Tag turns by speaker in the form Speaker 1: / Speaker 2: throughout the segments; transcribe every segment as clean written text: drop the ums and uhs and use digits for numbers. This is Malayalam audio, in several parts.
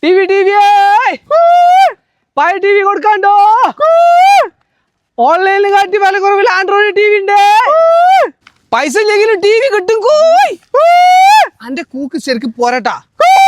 Speaker 1: പഴയ ടി വി കൊടുക്കാണ്ടോ? ഓൺലൈനിൽ കാട്ടി വില കുറവിൽ ആൻഡ്രോയിഡ് ടി വി ഉണ്ട്. പൈസ ഇല്ലെങ്കിലും ടി വി കിട്ടും. അന്റെ കൂക്ക് ശരിക്കും പോരാട്ടാ.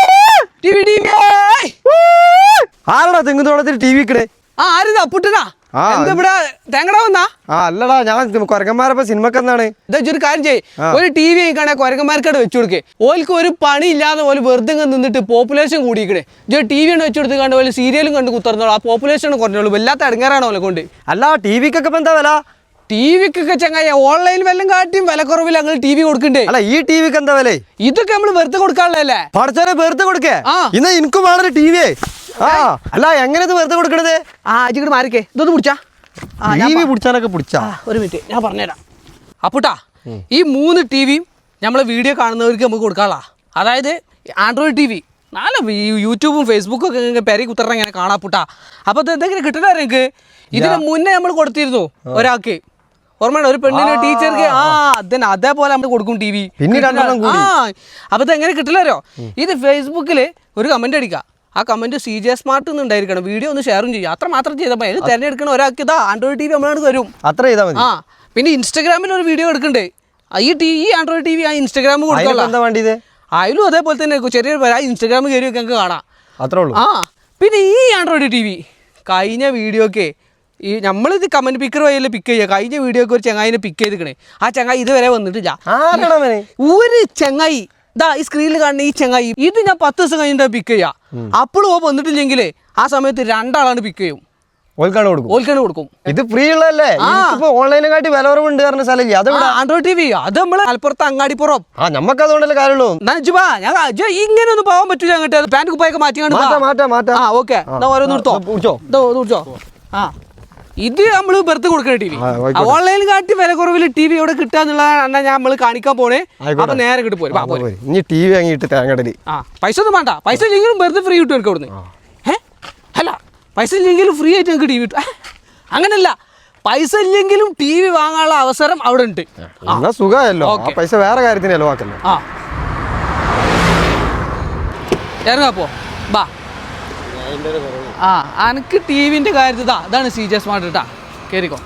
Speaker 2: ആരടാ തെങ്ങുതോളത്തിൽ ടി വി കിടേ?
Speaker 1: ആരിതാ പുട്ടനാ? ഇവിടെ തേങ്ങടാ വന്നാ?
Speaker 2: അല്ലടാ, ഞാൻ കൊരങ്ങന്മാരപ്പോ സിനിമക്കെന്നാണ്.
Speaker 1: ഒരു കാര്യം ചെയ്യ്, ഒരു ടി വി കാണാൻ കൊരങ്ങന്മാർക്കടെ വെച്ചു കൊടുക്കേ. ഓൽക്ക് ഒരു പണി ഇല്ലാതെ പോലെ വെറുതെ നിന്നിട്ട് പോപ്പുലേഷൻ കൂടിയിക്കണേ. ഒരു ടി വി ആണ് വെച്ചു കൊടുത്ത് കണ്ട പോലെ സീരിയലും കണ്ട് കുത്തർന്നോളൂ. ആ പോപ്പുലേഷൻ കുറഞ്ഞോളൂ. വല്ലാത്ത ഇടങ്ങാറാണ് ഓലെ കൊണ്ട്.
Speaker 2: അല്ല, ടി വിക്കൊക്കെ എന്താ വില?
Speaker 1: ടി വിക്കൊക്കെ ചങ്ങായ ഓൺലൈൻ വല്ലതും കാട്ടിയും വില കുറവിൽ ഞങ്ങൾ ടി വി കൊടുക്കണ്ടേ?
Speaker 2: അല്ല, ഈ ടി വിക്ക് എന്താ വില?
Speaker 1: ഇതൊക്കെ നമ്മള് വെറുതെ കൊടുക്കാനുള്ളതല്ലേ?
Speaker 2: പഠിച്ചോനെ വെറുതെ കൊടുക്കേ? ഇന്ന് എനിക്കും വളരെ ടി വി. അല്ല, എങ്ങനെ വെറുതെ കൊടുക്കണത്?
Speaker 1: ഇങ്ങോട്ട് മാറിക്കേ, ഇതൊന്ന് പിടിച്ചാ.
Speaker 2: ടി വി പിടിച്ചാലൊക്കെ പിടിച്ചാ.
Speaker 1: ഒരു മിനിറ്റ് ഞാൻ പറഞ്ഞുതരാം. അപ്പൂട്ടാ, ഈ 3 ടി വിയും നമ്മളെ വീഡിയോ കാണുന്നവർക്ക് നമുക്ക് കൊടുക്കാനുള്ള, അതായത് ആൻഡ്രോയിഡ് ടി വി നല്ല യൂട്യൂബും ഫേസ്ബുക്കും ഒക്കെ പെരി കുത്തറ ഇങ്ങനെ കാണാപ്പൂട്ടാ. അപ്പോൾ ഇത് എന്തെങ്കിലും കിട്ടണ എനിക്ക് ഇതിന് മുന്നേ നമ്മൾ കൊടുത്തിരുന്നു ഒരാൾക്ക്. ഓർമ്മയാണ്, ഒരു പെണ്ണിന് ടീച്ചർക്ക്. അതേപോലെ നമ്മൾ കൊടുക്കും ടി വി. അപ്പോൾ ഇത് എങ്ങനെ കിട്ടില്ലല്ലോ. ഇത് ഫേസ്ബുക്കിൽ ഒരു കമന്റ് അടിക്കുക. ആ കമന്റ് CJ സ്മാർട്ട് ഉണ്ടായിരിക്കണം. വീഡിയോ ഒന്ന് ഷെയറും ചെയ്യുക. അത്ര മാത്രം ചെയ്താൽ മതി. ഇത് തിരഞ്ഞെടുക്കണ ഒരാൾക്ക് ഇതാ ആൻഡ്രോയിഡ് ടി വി നമ്മളാണ് തരും.
Speaker 2: അത്ര ചെയ്താൽ മതി.
Speaker 1: പിന്നെ ഇൻസ്റ്റാഗ്രാമിൽ ഒരു വീഡിയോ എടുക്കണ്ടേ? ഈ ആൻഡ്രോയിഡ് ടി വി ആ ഇൻസ്റ്റാഗ്രാമിൽ കൊടുക്കാം. അതിലും അതേപോലെ തന്നെ ചെറിയൊരു ഇൻസ്റ്റാഗ്രാമിൽ കയറി ഒക്കെ കാണാം.
Speaker 2: അത്രേ ഉള്ളൂ.
Speaker 1: പിന്നെ ഈ ആൻഡ്രോയിഡ് ടി വി കഴിഞ്ഞ വീഡിയോക്ക് ഈ നമ്മളിത് കമന്റ് പിക്കർ വഴിയല്ലേ പിക്ക് ചെയ്യുക. കഴിഞ്ഞ വീഡിയോക്ക് ഒരു ചങ്ങായിനെ പിക്ക് ചെയ്തിക്കണേ. ആ ചങ്ങായി ഇതുവരെ വന്നിട്ടില്ല. ഒരു ചങ്ങായി ഇതാ ഈ സ്ക്രീനിൽ കാണുന്ന ഈ ചങ്ങായി, ഇത് ഞാൻ 10 ദിവസം കഴിഞ്ഞിട്ട് പിക്ക് ചെയ്യാം. അപ്പോഴും വന്നിട്ടില്ലെങ്കിലേ ആ സമയത്ത് 2 ആളാണ് പിക്ക് ചെയ്യും. ഓൽക്കാണ് കൊടുക്കും.
Speaker 2: ഇത് ഫ്രീ ഉള്ളതല്ലേ? ഓൺലൈനെക്കാട്ടി വില കുറവുണ്ട് പറഞ്ഞ സ്ഥലം
Speaker 1: ആൻഡ്രോയിഡ് ടി വി. അത് നമ്മള് മലപ്പുറത്ത് അങ്ങാടിപ്പുറം.
Speaker 2: നമുക്ക് അതുകൊണ്ടല്ലേ കാര്യമുള്ളൂ.
Speaker 1: ഇങ്ങനെ ഒന്നും പോകാൻ പറ്റൂല. അങ്ങോട്ട് പാന്റ് കുപ്പായൊക്കെ മാറ്റി. ഓക്കെ, ഓരോന്ന്. ഇത് നമ്മൾ വെറുതെ കൊടുക്കണ ടി വി. ഓൺലൈനിൽ കാട്ടി വില കുറവിൽ ടി വി ഇവിടെ കിട്ടാന്നുള്ളതാണ് നമ്മൾ കാണിക്കാൻ പോണേ. അപ്പൊ നേരെ കിട്ടി പോരും.
Speaker 2: ടി വി വാങ്ങിയിട്ട് തേങ്ങടലി.
Speaker 1: പൈസ ഒന്നും വേണ്ട. പൈസ ഇല്ലെങ്കിലും വെറുതെ ഫ്രീ കിട്ടും എനിക്ക് അവിടുന്ന്. അല്ല, പൈസ ഇല്ലെങ്കിലും ഫ്രീ ആയിട്ട് നമുക്ക് ടി വി കിട്ടും. അങ്ങനല്ല, പൈസ ഇല്ലെങ്കിലും ടി വി വാങ്ങാനുള്ള അവസരം അവിടെ ഉണ്ട്.
Speaker 2: സുഖമല്ലോ. പൈസ വേറെ കാര്യത്തിന് ചെലവാക്കല്ലോ.
Speaker 1: ഇറങ്ങാപ്പോ ബാ. അനക്ക് ടി വിന്റെ കാര്യത്തിൽ അതാണ് CJ സ്മാർട്ട് കേട്ടാ. കേറിക്കോ.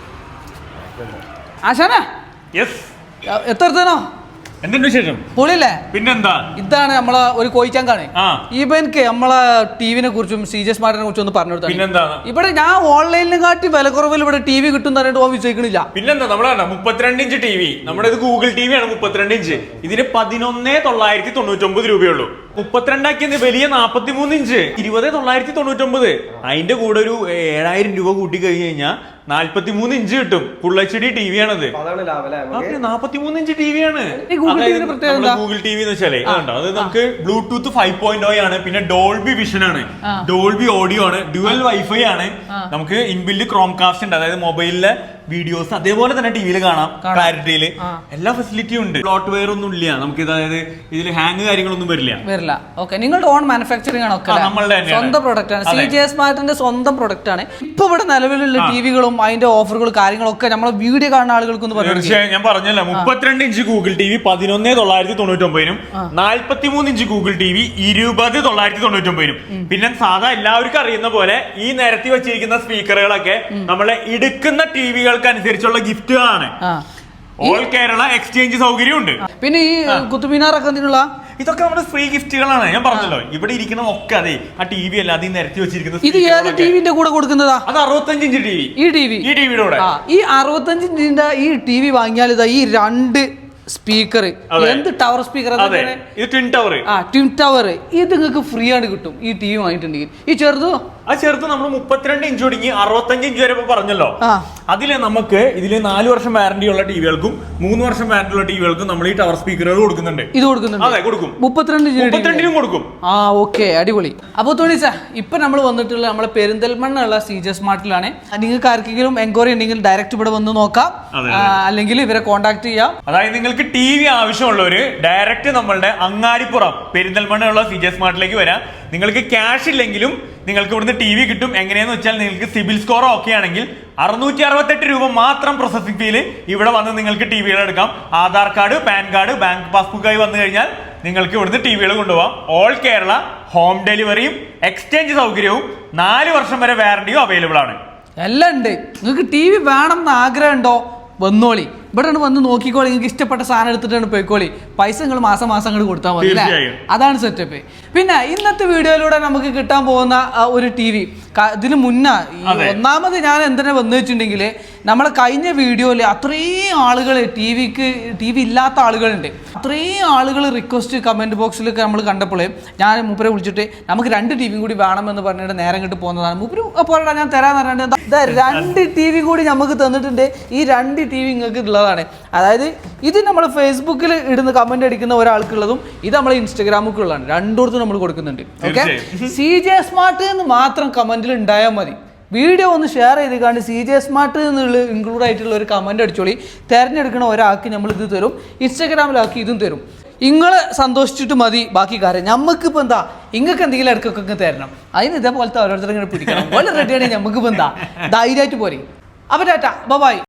Speaker 1: ആശാന എത്തനോ
Speaker 3: എന്തുണ്ട് വിശേഷം?
Speaker 1: പൊളിയല്ലേ?
Speaker 3: പിന്നെന്താ.
Speaker 1: ഇതാണ് നമ്മളെ ഒരു കോയിച്ചാങ്കാണ്. ഇവനക്ക് നമ്മളെ ടിവിനെ കുറിച്ചും CJ സ്മാർട്ടിനെ കുറിച്ചും ഒന്ന് പറഞ്ഞു കൊടുത്താ. ഇവിടെ ഞാൻ ഓൺലൈനിലും കാട്ടി വില കുറവിൽ ഇവിടെ ടി വി കിട്ടും പറഞ്ഞിട്ട് വിശ്വസിക്കണില്ല.
Speaker 3: പിന്നെന്താ, നമ്മളെ 32 ഇഞ്ച് ടി വി, നമ്മുടെ ഇത് ഗൂഗിൾ ടി വി ആണ്. 32 ഇഞ്ച് ഇതിന് 11,999 രൂപയുള്ളൂ. 32 ആക്കിയത് വലിയ 43 ഇഞ്ച് 20,999. അതിന്റെ കൂടെ ഒരു 7,000 രൂപ കൂട്ടി കഴിഞ്ഞ് കഴിഞ്ഞാൽ 43 ഇഞ്ച് കിട്ടും. ഫുൾ HD ടി വി ആണത്. 43 ഇഞ്ച് ടി വി ആണ് ഗൂഗിൾ ടി വി എന്ന് വെച്ചാലേ. അത് നമുക്ക് ബ്ലൂടൂത്ത് 5.0 ആണ്. പിന്നെ ഡോൾബി വിഷൻ ആണ്, ഡോൾബി ഓഡിയോ ആണ്, ഡ്യുവൽ വൈഫൈ ആണ്. നമുക്ക് ഇൻബിൽഡ് ക്രോംകാസ്റ്റ് ഉണ്ട്. അതായത് മൊബൈലിലെ വീഡിയോസ് അതേപോലെ തന്നെ ടിവിയിൽ കാണാം ക്ലാരിറ്റിയിൽ. എല്ലാ ഫെസിലിറ്റിയും ഉണ്ട്. ഫ്ലോട്ട് വെയർ ഒന്നും ഇല്ല നമുക്ക്. അതായത് ഇതിൽ ഹാങ് കാര്യങ്ങളൊന്നും വരില്ല.
Speaker 1: നിങ്ങളുടെ ഓൺ മാനുഫാക്ചറിംഗ് ആണ്. സ്വന്തം പ്രൊഡക്റ്റ് ആണ്. CJ സ്മാർട്ടിന്റെ സ്വന്തം പ്രൊഡക്റ്റ് ആണ്. ഇപ്പൊ ഇവിടെ നിലവിലുള്ള ടിവികളും അതിന്റെ ഓഫറുകളും കാര്യങ്ങളൊക്കെ നമ്മളെ വീഡിയോ കാണുന്ന ആളുകൾക്ക്
Speaker 3: ഞാൻ പറഞ്ഞല്ലോ. 32 inch Google T V 11,999 43 inch Google T V 20,999. പിന്നെ സാധാ എല്ലാവർക്കും അറിയുന്ന പോലെ ഈ നിരത്തി വെച്ചിരിക്കുന്ന സ്പീക്കറുകളൊക്കെ നമ്മളെ ഇടുക്കുന്ന ടിവികൾക്ക് അനുസരിച്ചുള്ള ഗിഫ്റ്റുകളാണ്. ഓൾ കേരള എക്സ്ചേഞ്ച് സൗകര്യം ഉണ്ട്.
Speaker 1: പിന്നെ ഈ കുത്തുമിനാറൊക്കെ
Speaker 3: ഇതൊക്കെ നമ്മുടെ ഫ്രീ ഗിഫ്റ്റുകളാണ്. ഞാൻ പറഞ്ഞല്ലോ, ഇവിടെ ഇരിക്കുന്ന ഒക്കെ അതെ ആ ടി വി അല്ല, അത് നിരത്തി വെച്ചിരിക്കുന്നത്.
Speaker 1: ഇത് ഏത് ടിവിന്റെ കൂടെ കൊടുക്കുന്നതാ?
Speaker 3: അത് 65 ഇഞ്ച് ടി വി. ഈ ടിവിയുടെ കൂടെ
Speaker 1: ഈ 65 ഇഞ്ചിന്റെ ഈ ടി വി വാങ്ങിയാൽ ഇതാ ഈ 2 സ്പീക്കർ, എന്ത് tower speaker,
Speaker 3: twin tower.
Speaker 1: Twin tower ഇത് നിങ്ങൾക്ക് ഫ്രീ ആണ് കിട്ടും ഈ ടി വി വാങ്ങിയിട്ടുണ്ടെങ്കിൽ. ഈ
Speaker 3: ചെറുത് നമ്മൾ 32 ഇഞ്ച് ഒടുങ്ങി 65 ഇഞ്ച് വരെ പറഞ്ഞല്ലോ. അതില് നമുക്ക് ഇതില് 4 വർഷം വാറന്റി ഉള്ള ടിവികൾക്കും 3 വർഷം വാറന്റി ഉള്ള ടിവികൾക്കും നമ്മൾ ഈ ടവർ സ്പീക്കറുകൾ കൊടുക്കുന്നുണ്ട്.
Speaker 1: ഇത് കൊടുക്കുന്നുണ്ട്.
Speaker 3: അതെ, കൊടുക്കും.
Speaker 1: 32
Speaker 3: കൊടുക്കും.
Speaker 1: ഓക്കെ, അടിപൊളി. അപ്പോൾ തോണിച്ച ഇപ്പൊ നമ്മൾ വന്നിട്ടുള്ള നമ്മളെ പെരിന്തൽമണ്ണ CJ സ്മാർട്ടിലാണ്. നിങ്ങൾക്ക് ആർക്കെങ്കിലും എൻക്വയറി ഉണ്ടെങ്കിൽ ഡയറക്റ്റ് ഇവിടെ വന്ന് നോക്കാം, അല്ലെങ്കിൽ ഇവരെ കോൺടാക്ട് ചെയ്യാം.
Speaker 3: അതായത് നിങ്ങൾക്ക് ടി വി ആവശ്യമുള്ളവര് ഡയറക്റ്റ് നമ്മളുടെ അങ്ങാടിപ്പുറം പെരിന്തൽമണ്ണ CJ സ്മാർട്ടിലേക്ക് വരാം. നിങ്ങൾക്ക് ക്യാഷ് ഇല്ലെങ്കിലും നിങ്ങൾക്ക് ഇവിടുന്ന് ടി വി കിട്ടും. എങ്ങനെയാന്ന് വെച്ചാൽ നിങ്ങൾക്ക് സിബിൽ സ്കോർ ഓക്കെ ആണെങ്കിൽ 668 രൂപ മാത്രം പ്രോസസിംഗ് ഫീല് ഇവിടെ വന്ന് നിങ്ങൾക്ക് ടിവികൾ എടുക്കാം. Aadhaar card, PAN card, bank പാസ്ബുക്കായി വന്നു കഴിഞ്ഞാൽ നിങ്ങൾക്ക് ഇവിടുന്ന് ടിവികൾ കൊണ്ടുപോകാം. ഓൾ കേരള ഹോം ഡെലിവറിയും എക്സ്ചേഞ്ച് സൗകര്യവും 4 വർഷം വരെ വാറണ്ടിയും അവൈലബിൾ ആണ്.
Speaker 1: എല്ലാം ഉണ്ട്. നിങ്ങൾക്ക് ടി വി വേണം എന്ന് ആഗ്രഹം ഉണ്ടോ? വന്നോളി, ഇവിടെ വന്ന് നോക്കിക്കോളി. നിങ്ങൾക്ക് ഇഷ്ടപ്പെട്ട സാധനം എടുത്തിട്ടാണ് പോയിക്കോളി. പൈസ നിങ്ങൾ മാസം അങ്ങോട്ട് കൊടുത്താൽ മതി അല്ലേ? അതാണ് സെറ്റപ്പ്. പിന്നെ ഇന്നത്തെ വീഡിയോയിലൂടെ നമുക്ക് കിട്ടാൻ പോകുന്ന ഒരു ടി വി ഇതിന് മുന്നേ ഒന്നാമത് ഞാൻ എന്തിനാ വന്നു വെച്ചിട്ടുണ്ടെങ്കിൽ നമ്മളെ കഴിഞ്ഞ വീഡിയോയിൽ അത്രയും ആളുകൾ ടി വി ഇല്ലാത്ത ആളുകളുണ്ട്. അത്രയും ആളുകൾ റിക്വസ്റ്റ് കമൻറ്റ് ബോക്സിലൊക്കെ നമ്മൾ കണ്ടപ്പോൾ ഞാൻ മൂപ്പരെ വിളിച്ചിട്ട് നമുക്ക് 2 ടി വി കൂടി വേണമെന്ന് പറഞ്ഞിട്ട് നേരം കിട്ടി പോകുന്നതാണ്. മൂപ്പര് പോരാ ഞാൻ തരാന്ന് പറഞ്ഞിട്ട് 2 ടി വി കൂടി നമുക്ക് തന്നിട്ടുണ്ട്. ഈ 2 ടി വി നിങ്ങൾക്ക് ഉള്ളതാണ്. അതായത് ഇത് നമ്മൾ ഫേസ്ബുക്കിൽ ഇടുന്ന കമന്റ് അടിക്കുന്ന ഒരാൾക്കുള്ളതും ഇത് നമ്മൾ ഇൻസ്റ്റാഗ്രാമിലുള്ളതാണ്. രണ്ടിടത്തും നമ്മൾ കൊടുക്കുന്നുണ്ട്. ഓക്കെ, CJ സ്മാർട്ട് എന്ന് മാത്രം കമന്റിൽ ഉണ്ടായാൽ മതി. വീഡിയോ ഒന്ന് ഷെയർ ചെയ്ത് കണ്ട് CJ സ്മാർട്ട് എന്നുള്ള ഇൻക്ലൂഡ് ആയിട്ടുള്ള ഒരു കമന്റ് അടിച്ചോളി. തിരഞ്ഞെടുക്കുന്ന ഒരാൾക്ക് നമ്മൾ ഇത് തരും, ഇൻസ്റ്റാഗ്രാമിലാക്കി ഇതും തരും. നിങ്ങൾ സന്തോഷിച്ചിട്ട് മതി ബാക്കി കാര്യം. നമുക്കിപ്പോൾ എന്താ നിങ്ങൾക്ക് എന്തെങ്കിലും ഇടയ്ക്കൊക്കെ തരണം. അതിന് ഇതേപോലത്തെ ഓരോരുത്തരും ഇങ്ങനെ പിടിക്കണം. പോലെ റെഡിയാണെങ്കിൽ നമുക്കിപ്പോൾ എന്താ ധൈര്യമായിട്ട് പോരെ. അപ്പോൾ ടാറ്റ ബൈ.